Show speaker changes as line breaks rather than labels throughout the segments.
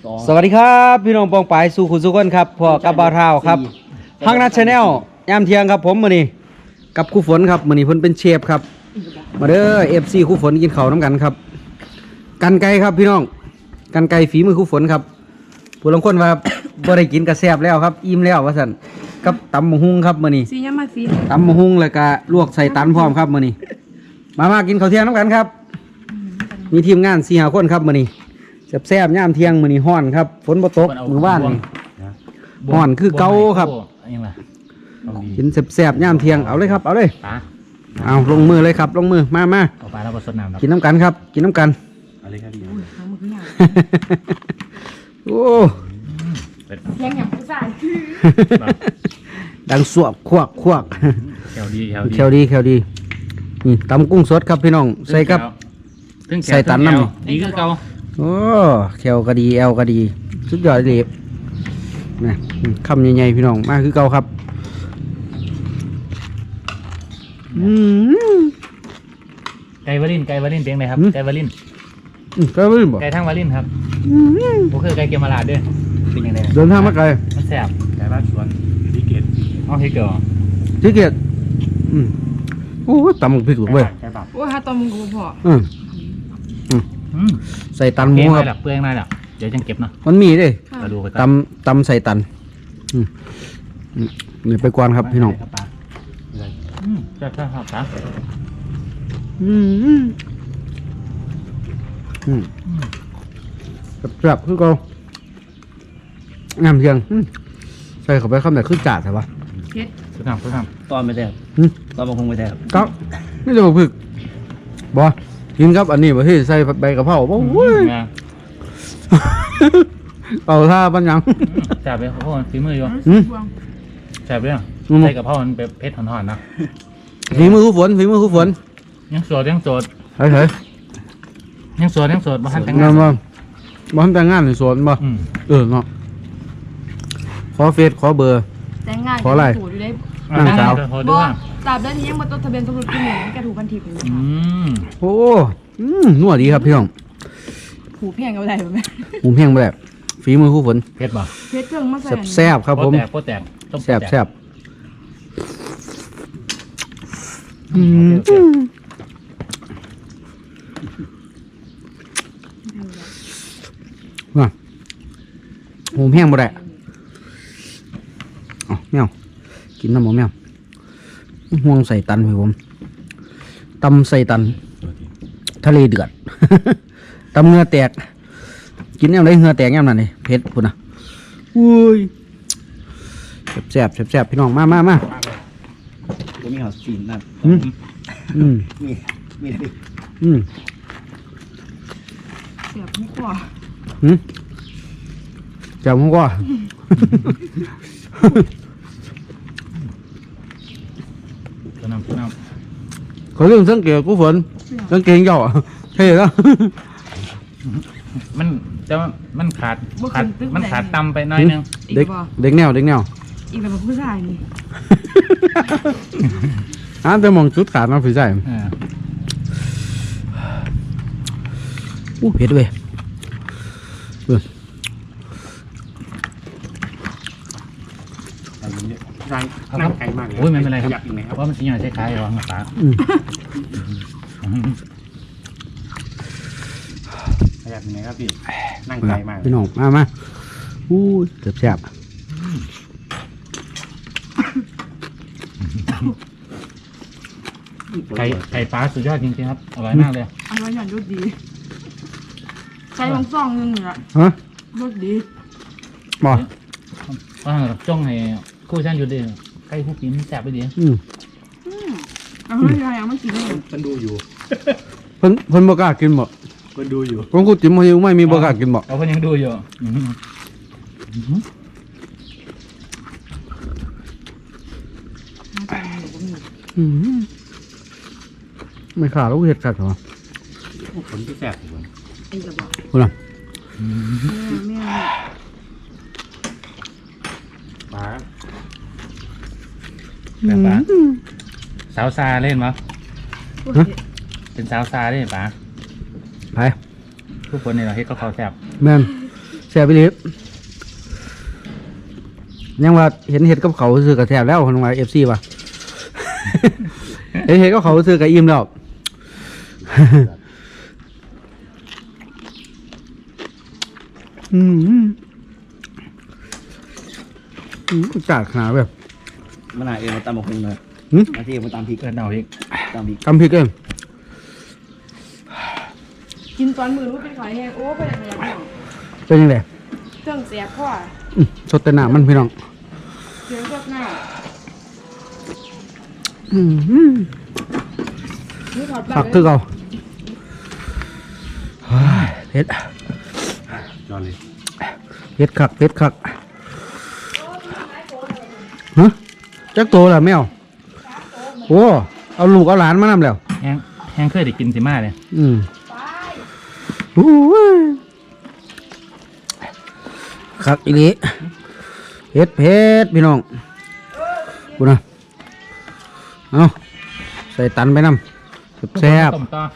สวัสดีครับพี่น้องปองปายสู่คุณสุขคนครับพ่อกับบ่าวเท้าครับฮักนัทชาแนลยามเที่ยงครับผมมื้อนี้กับครูฝนครับมื้อนี้เพิ่นเป็นเชฟครับมาเด้อ FC ครูฝนกินข้าวน้ำกันครับกันไก่ครับพี่น้องกันไก่ฝีมือครูฝนครับผู้ลางคนว่า บ่ได้กินกระแซบแล้วครับอิ่มแล้วว่าซั่นกับตำบักหุ่งครับมื้อนี้
สียมาสี
ตำบักหุ่งแล้วก็ลวกใส่ตันพร้อมครับมื้อนี้มากินข้าวเที่ยงน้ำกันครับมีทีมงาน4-5คนครับมื้อนี้แซ่บๆยามเที่ยงมื้อนี้ฮ้อนครับฝนบ่ตกมื้อวานนี่ฮ้อนคือเก่าครับกินแซ่บๆยามเที่ยงเอาเลยครับเอาเลยเอาลงมือเลยครับลงมือมา
เอาปลาแล้วก็สดน้ำ
กินน้ำกันครับกินน้ำกัน
อะไรครับพี่
โอ้
เสียงอย่างผู้ชาย
ดังสวบควก
แถวดี
แควดีนี่ตำกุ้งสดครับพี่น้องใส่ครับใส่ตันน้ำ
ดีคือเก่า
โอ้แควก็ดีแอลก็ดีสุดยอดเลยนะคำใหญ่ๆพี่น้องมาคือเก่าครับ
ไก่วาลินเพียงไหนครับไก่วาลิน
ไก่วาลินบ่
ไก่ทั้งวาลินครับผมคือไก่เกมราดด้วยเป็นยังไง
เดินทางมาไกล
มันแซ่บไก่บ้านสวนพิเกตเอาพิเกต
ที่เกียรติโอ้ตำพริกหลุดเว้ย
โอ้ยฮะตอมมึงกูพอ
ใส่ตันหมูครับ
เปลืองนายหรอเดี๋ยวจังเก็บเนาะ
มันมีเลย
มาดูไป
ตำใส่ตันนี่ไปกวนครับพี่น้อง
ใช่ครับครับ
แบบคือเขางามเพียงใส่เข้าไปคำไหนคือจ่าใช่ปะ
เฮ็ด
สุดทำ
ตอนไม่ได้ครับตอนมันคงไม่ได้ครับ
ก็ไม่จะบอกผึกบ่กินครับอันนี้บ่ที่ใส่ใบกะเพราบ่โอ้ยเป่าท่าปัญญัง
แซ่บเลยเพราะมันฝีมืออยู่แซ่บเลยใส่กับพ่อมันเป็นเพชรห่อนๆนะ
ฝีมือคู่ฝน
ยังโสด
เฮ้ย
บ้านแต่ง
งาง
าน น
บ่ทำแต่งงานในสวนบ่เนาะขอเฟซขอเบอร์
แต่งงาน
ขออะไร
ถูกอยู่ได้
นั่งสาว
พอ
บ่
ด้วย
ตราบใดนี้ยังบ่จดทะเบียนสมรสกินเหมือนแกถูกพันทิพย์อยู่
โอ้นัวดีครับพี่น้อง
หูแพงเอาได้บ่แม่
หมูเพียงไปแบบฝีมือคู่ฝน
เพชรบ่
เพชรเครื่องมาใส่
แซ่บครับผม
โป๊แตกต้ม
แซ่บว่าหมูเพียงบ่ได้อ๋อแมวกินน้ำหมูแมวห่วงใส่ตันพี่ผมตำใส่ตันทะเลเดือด ตำเงือแตกกินยังไงเงือแตกยังนั่นนี่เผ็ดพุ่นนะอุ้ยแซ่บพี่น้องมา
ผมมีหอสีนั่นมีอะไร
เสียบมุกกว่า
แจ่วมันก็
ตัวน้ำ
เขาเรื่องสังเกตกูฝนสังเกตเจ้าเท่แล้ว
มันแต่ว่ามันขาดตำไปหน่อยนึง
เด็กแนว
อีกแบบผู้ชายนี่
แต่มองจุดขาดมาผีใส่เผ็ดเว้ย
นั่งไกลมากเลย
โอ้ยไม่เป็นไรครับเพราะมันสิ่งอย่างใช้ขายหรอปลา
ขยับยังไงครับพี่นั่งไกลมาก
พี่น้องมาอู้แซ่บ
ไก่ปลาสุดยอดจริงๆครับอร่อยมากเลย
อร่อยอย่างรสดีใส่ของซองนึงนี่ล่ะ
ฮะ
รสดี
บ่
ว่าจ้องให้คู่ฉันอยู่ดิไก่ผู้กินแซ่บไปดิ
เอาให้ยายเอามากินเลย
มันดูอยู่
เพิ่นบ่กล้ากินบ่
มันดูอยู่
ผมกูจิ้มไม่มีบ่กล้ากินบ่
เอาคนยังดูอยู่
ไม่ขาดแล้วเห็ดขาดเหรอ
ผลที่แสบผม
ไอ้กระบอก
คุณล่ะ
แม่
ปลา
ปลาสาวซาเล่นมั้ยเป็นสาวซาเล่นปลา
ไป
ทุกคนเนี่ยเราเฮ็ดก็เขาแซ่บ
แม่นแซ่บไปเลยยังว่าเห็นเห็ดกับเขาซื้อกับแซ่บแล้วคนว่า FC ป่ะ เห็นกับเขาซื้อกับอิ่มแล้ว จัดขนาดแบบ
มันหาเองมาตามมาคุงเลย
หืม
มาที่มาตามพริก
เกิดเอาอีก
ตามพริก
ทำพริกเอง
กินตอนมือรู้เป็นขอยแห้งโอ้เป็นอะไรอย่างเงี้ย
เป็นยังไง
เครื่องเสียพ่อ
สดแต่หนามันพี่น้อง
เสียงสดหน้านี่ถอด
ผักคือเขาเฮ้ยเผ็ด
จอเลย
เผ็ดคักเผ็ดคักฮะจักโตล่ะแมวโอ้เอาลูกเอาหลานมานำแล้ว
แห้งเคยได้กินสิมาเลย
อู้ยคักอีหลีเผ็ดเผ็ดพี่น้องกูนะเอาใส่ตันไปนำแซ่บ
ต้มต่อ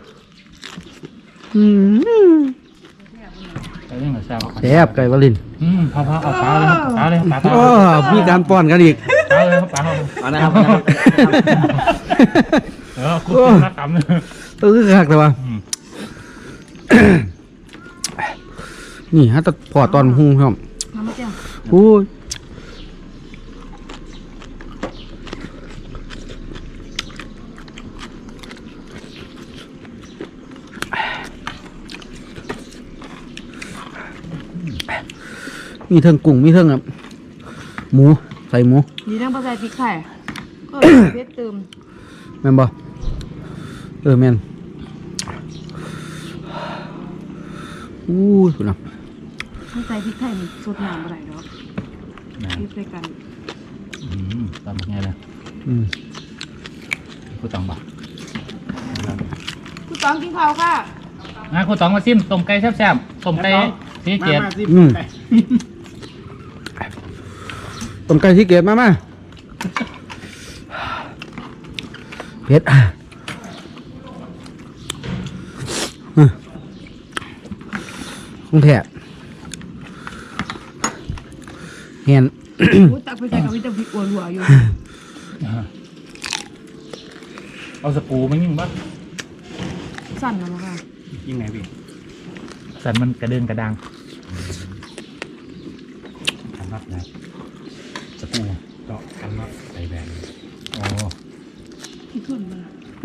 อืม
ไปเรื่องของแซ่บ
แซ่บไก่วาลิน
พอเอาปลาเลยครับปลาเลยปลา
โอ้มีการป้อนกันอีก
ปลาเลยครับปลา
เอานะครับ
คุณนักกรรมเลย
คักแต่ว่านี่ฮะแต่พอตอนหุงครับ
น้ำมะเจียว
โอ้ยมีเทิงกุ้งมีเทิงหมูใส่หมู
ดีนั่งปลาใส่พริกไทยเพชรเติม
แม่นบ่แม่นอู้ยคุณน่ะ
ถ้าใส่พริกไทยมันสดน้ำอะไรเนาะพริกใส่กัน
ตำไงเลย
อืม
คุณตองบอก
คุณต้องกินข้าวค่ะ
คุณตองมาซิมต้มไก่แซ่บๆต้มไก่สีเกียรติ
ต้มไก่ที่เกตมาเผ็ดคงแทบเห็น
กูตักไปใส่กับวิตามินอ้วนหัวอยู่
เอาสปูมันยิ่งบ้า
สั่นนะมั้งค่ะ
ยิ่งไหนพี่
สันมันกระเดินกระดัง
ทำรับนะสปูเจาะกันรับใส่แบน
โอ้
ที่ขึ้นมา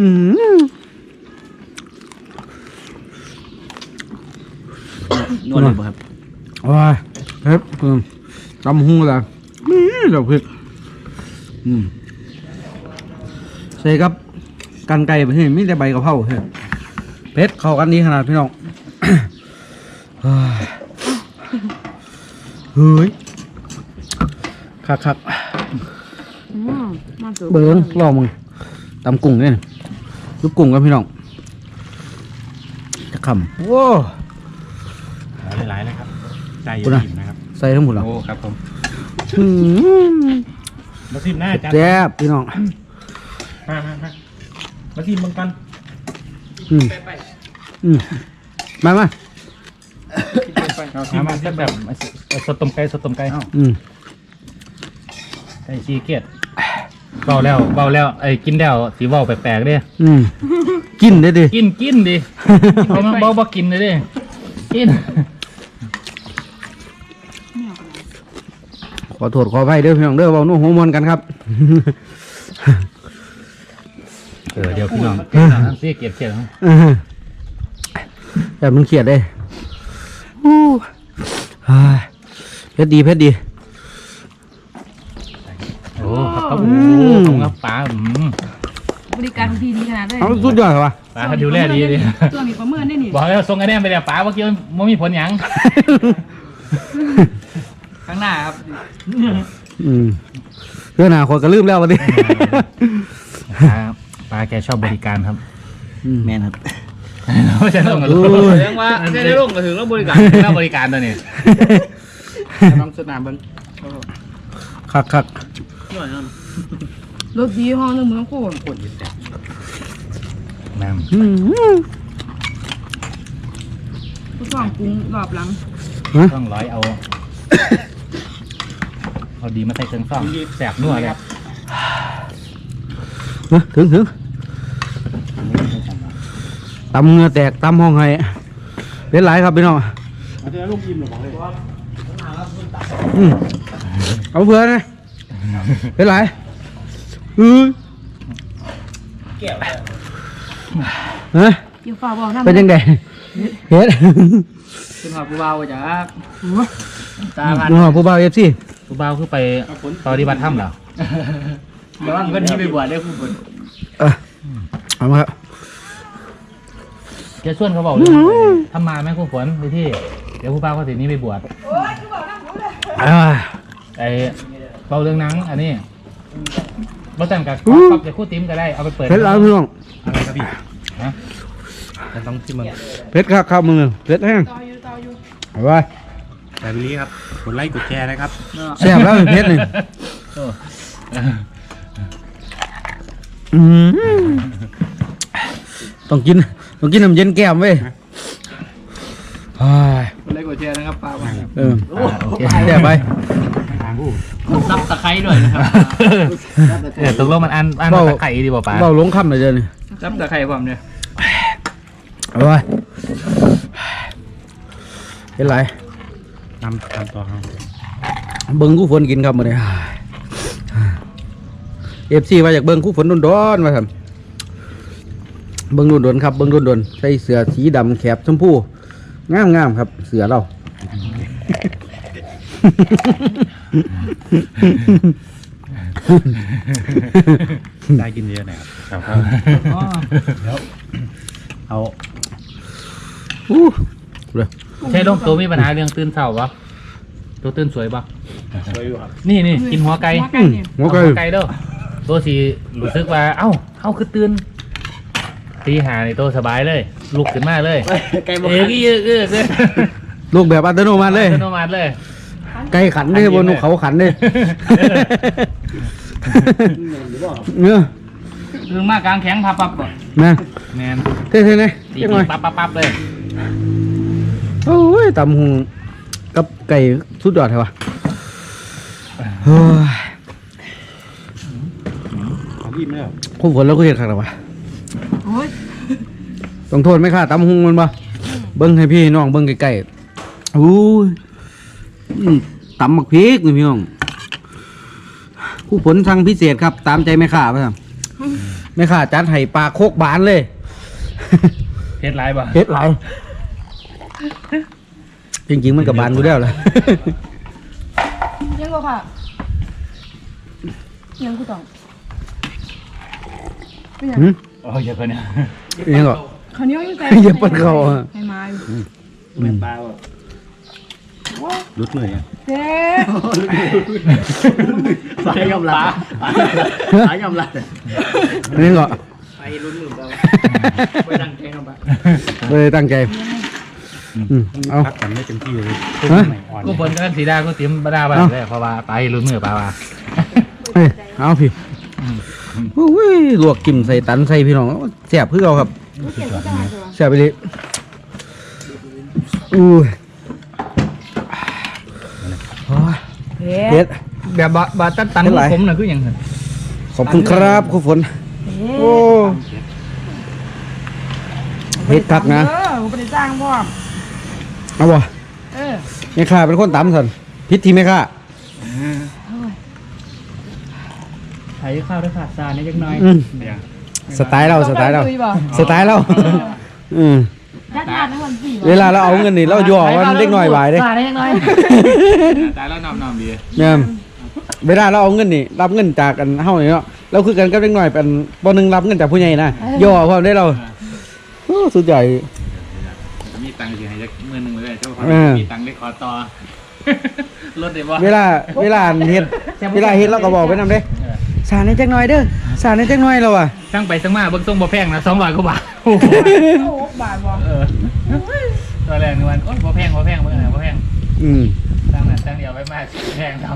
นวดเลยบ่ครับ
ว้ายเผ็ดตำหูละนี่เดี๋ยวเผ็ดใส่ครับกันไก่ไปเฮ้ยไม่ได้ใบกะเพราเฮ้ยเผ็ดเข้ากันดีขนาดพี่น้อง เฮ้ยคัก
มาตัว
เบิ้งรอมึงตำกุ้งเนี่ยลูกกุ้งกันพี่น้องจะขำโว้
หลายๆเลยครับ ใจเย็นๆนะครับ
ใส่ทั้งหมดแล้ว
โอ้ครับผม
มาซิมหน้าจ้ะ
แซ่บพี่น้อง
มาซิมเบิ่งกัน
มา
มาแบบสดต้มไก่ไก่ชีเกียรติเบาแล้วไอ้กินแล้วสีเบาแปลกๆเด้
กินได้ดิ
กินดิเขามาเบากินเลยเด้กิน
ขอโทษขออภัยเด้อพี่น้องเด้อเว้าโน้หัวมวนกันครับ
เดี๋ยวพี่น้องชีเกียรติ
แบบมันเขียดเลยเพชรดี
โอ้ครับครับป๋า
บริการพี่ดีขนาดเลย
เอาสุดยอดเหรอวะ
ป๋าดูแลดีดิ
ตัวมีประเมินได้นี่
บอกแล้วส่งคะแนนไปแล้วป๋าเมื่อกี้มันมีผลหยัง
ข้างหน้าครับ
เรื่องหนาคนก็ลืมแล้ววันนี้
ป๋าแกชอบบริการครับ
แม่นครับ
ไม่ใช่ลงกับลูก
แสดงว่าแค่ได้ลงก็ถึงแล้วบริการ
แล้วบริการตัวนี้
น้องสนามเบิ้ง
คัก
นวดนั่น
รถดีห้องนึงเมืองโคตร
ปวดยิ่งแสบ
แม่ม
ผู้สองปรุงรอบหลัง
ฮะ
ต้องร้อยเอาเอาดีมาใส่เครื่องซ่อมแสบนัวเลย
ถึงตำเหงือแตกตำห้องไห้เป็นไรครับพี่น้อง
เอาเจอลูกยิ้มหรือเปล่าเลย
เอาเพื่อนนะเป็นไรฮะ
เกี่ยวฝ่าบอกน้ำ
เป็นยังไงเฮ็ด
ขึ้นหอผู้เบาจ้ะตาพัน
ผู้บ่าวเอฟซี
ผู้บ่าวคือไปปฏิบัติธรรมเหรอ
เดี๋ยวว่าเงินที่ไปบวชได้ผู้บวช
เอามาครับ
เจะชวนเขาบอกเลยทำมาแม่ครูฝนไปที่เดี๋ยวผู้บ่าวเขาสินี้ไปบวชไอ้เบาเรื่องหนังอันนี้เราแต่งกับก๊อฟจะคู่ติ้มก็ได้เอาไปเปิด
เพชรแล้วพี่น้อง
อะไรครับพี่ฮะ
มันต้องที่มัน
เพชรครับข้าวมือเพชรแห้งเอาไว้
แต่วิลลี่ครับกดไลค์กดแชร์นะครับ
แซ่บแล้วเพชรนี่ต้องกินน้ำเย็นแก้มเว้ย
เล็กกว่าเชียร์นะครับป้าว่า
โอเค
แซ่บไป
ซับตะไคร้ด้วยนะครับ
ตกลงมันอันตะไคร้ดีป่ะป้า
เบาลงคำเลยเดี๋ยวนี้
ซับตะไคร้ผมเนี่ย
เอาไว้เป็นไร
ตามต่อครับ
เบิ้งคู่ฝนกินครับมื้อนี้FC ว่าอยากเบิ้งคู่ฝนโดนๆว่าซั่นเบิ้งโดนๆครับเบิ้งโดนๆใส่เสื้อสีดำแขบชมพูงามๆครับเสื้อเรา
ได้กินเยอะหน่อยครับแล้วเอา
เลย
ใช่ลงตัวมีปัญหาเรื่องตื่นเช้าปะตัวตื่นสวยปะนี่กินหัวไก่
หัวไก่
ไก่เด้อตัวสีรู้สึกว่าเอ้าคือตื่นตีหาในตัวสบายเลยลุกขึ้นมาเลย
ไก่บว
เอ้
ช
ย
ลูกแบบอัตโนมัติเลย
อัตโนมัติเลย
ไก่ขันเลยบนเขาขันเลยเนื้อ
เรื่องมากกลางแข็งพับปับก่อน
นะ
แมน
เท่ๆเลย
ตี
ยังไง
ปั๊บเลย
โอ้ยตำหุงกับไก่สุดยอดเลยวะเฮ้ย
เอายิ้มแล้ว
คุ้มฝนแล้วก็เห็นขัดหรอวะ
โอ้ย
ต้องโทษไหมค่ะตำหุงมันปะเบิ้งให้พี่น้องเบิ้งไก่ๆอู้ยตำหมักพริกนี่พี่น้องผู้ผลสั่งพิเศษครับ ตามใจแม่ข่าป่ะแม่ข่าจัดให้ปลาโคกบานเลย
เพชรไรปะ
เฮ็ดไรจริงๆมันกับบานกูแล้วแหละ
ยังก็ค่ะยังกูต้องเป็นยัง
หืม
โอ้ยอย่าเพิ่นเนี่ย
ยังก็
เขาวเหนี้ยวยังแต่
อย่าเปิดเขาอะ
ให้มาอยู่
แม่ปลาว่ะ
รุดเลยอ่ะ
เจ๊
สายยอมรับสายยอมรับ
ยังก็
ไปลุ้นมือเราไปดังแกงเอาไป
เลยตั้งใจเอา
พักกันไม่เต็มที่เลย
ฮะ
ใหม่อ่อน
กูฝนกันสีดากูติ้มบดาบ้างเลยเพราะว่าไปลุ้นมือปลาว่า
เอ้ยเอาพี่โอ้ยลวกกิมใส่ตันใส่พี่น้องแซ่บเพื่อเอาครับแซ่บไปเลยอู้ยโอ้ย
เฮ้
เฮ็ด
แบบบาตันตัน
เท่าไหร่
ผมน่ะคืออย่างไร
ขอบคุณครับคุณฝนโอ้เฮ็ดคักนะ
กูไปจ้างพ่อ
เอาบ่
เออ
แม่ข้าเป็นคนตำสันพิษที่แม่ข้า
ไถข้าวด้วยขาดซาเนี่ยจักหน่อย
สไตล์เราสไตล์เราสไตล์เราอืม
ยัดยาในวันสี่
เวลาเราเอาเงินนี่เราย่อวันเล็กน้อยบายเด้
ซาได้ยังไง
ตายแล้วนำดี
เนี่ยเวลาเราเอาเงินนี่รับเงินจากกันเฮานี่เนาะเราคือกันกับเล็กน้อยเป็นบ่หนึงรับเงินจากผู้ใหญ่นะย่อพร้อมได้เราโอ้สุดยอด
มีตังค์สิให้จักมื้อนึงเลยเจ้าของ
เออ
มีตังค์ได้ขอต่อรถได้บ่
เวลาเฮ็ดเราก็บอกไปนำเด้สารในจักหน่อยเด้อสารในจักหน่อยเราอ่ะ
สั่งไปสั่งมาเบิ่งส่งบ่แพงนะ200กว่าบาทโอ้โห
โอ้บาทบ่
ตัวแรกนึกว่าโอ๊ยบ่แพงเบิ่งนะบ่แพง
อืม
ตั้งนั้นตั้งเดียวไว้มากแพงทำ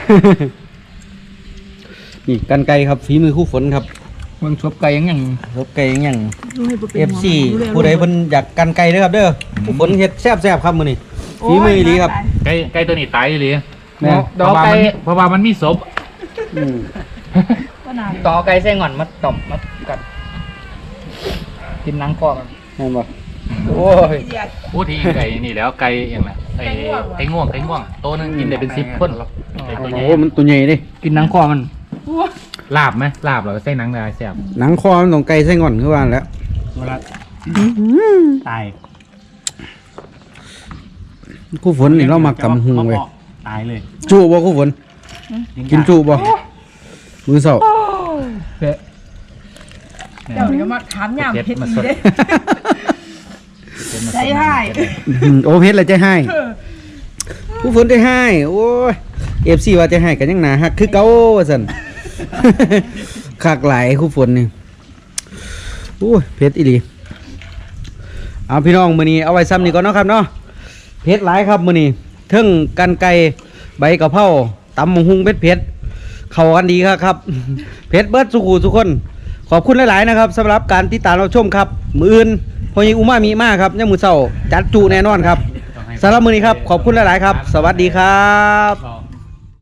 นี่กันไกลครับฝีมือคู่ฝนครับ
มึงชบไก่ยัง
รบไก่อย่าง
ดูให้บ่เป็น
FC ผู้ใดเพิ่นอยากกันไกลเด้อครับเด้อคู่ฝนเฮ็ดแซ่บๆครับมื้อนี้ฝีมืออีหลีครับ
ไก่ตัวนี้ตายอีหลี
แม่น
เพราะว่ามันมีเพราะว่ามันมีศพ
อืม
ก็นาน
ต่อไก่เส้นก่อนมาต่อมมากัดกินหนังคอกัน
แม่นบ่
โอ้ย
พูดที่ไก่นี่แล้วไก่อย่างน่ะไก่ง่วงโตนึงกินได้เป็น10คนไก่ตัวใหญ่
โอ้มันตัวใหญ่เด้
กินหนังคอมัน
ลาบไหมลาบเหรอใส่หนังได้แซ่บ
หนังคอมันต้องไก่ไส้งอนคือว่าแล้ว
เวลาตาย
คู่ฝนนี่เรามากำหุงเว้ย
ตายเลย
จุบ่คู่ฝนกินจุบ่มื้อเช้า
เผ็ด
เดี๋ยวนี้มาถามยามเพชร
มา
ดี
สด
เด้ใจให้
โอ้เพชรเลยใจให้คู่ฝนใจให้โอ้ย FC ว่าใจให้กันยังหนาฮักคือเก่าว่าซั่น คักหลายคู่ฝนนี่โอ้ยเพชรอีหลีเอาพี่น้องมื้อนี้เอาไว้ซ้ำนี่ก่อนเนาะครับเนาะเพชรหลายครับมื้อนี้เทิงกันไก่ใบกะเพราตำบักหุ่งเพชรเข้ากันดีครับ เพชรเบิดสุขุทุกคน ขอบคุณหลายๆนะครับสำหรับการติดตามรับชมครับ มื้ออื่นพอยิงอุมามีมากครับยามมื้อเช้าจัดจุแน่นอนครับสำหรับมื้อนี้ครับขอบคุณหลายๆครับ สวัสดีครับ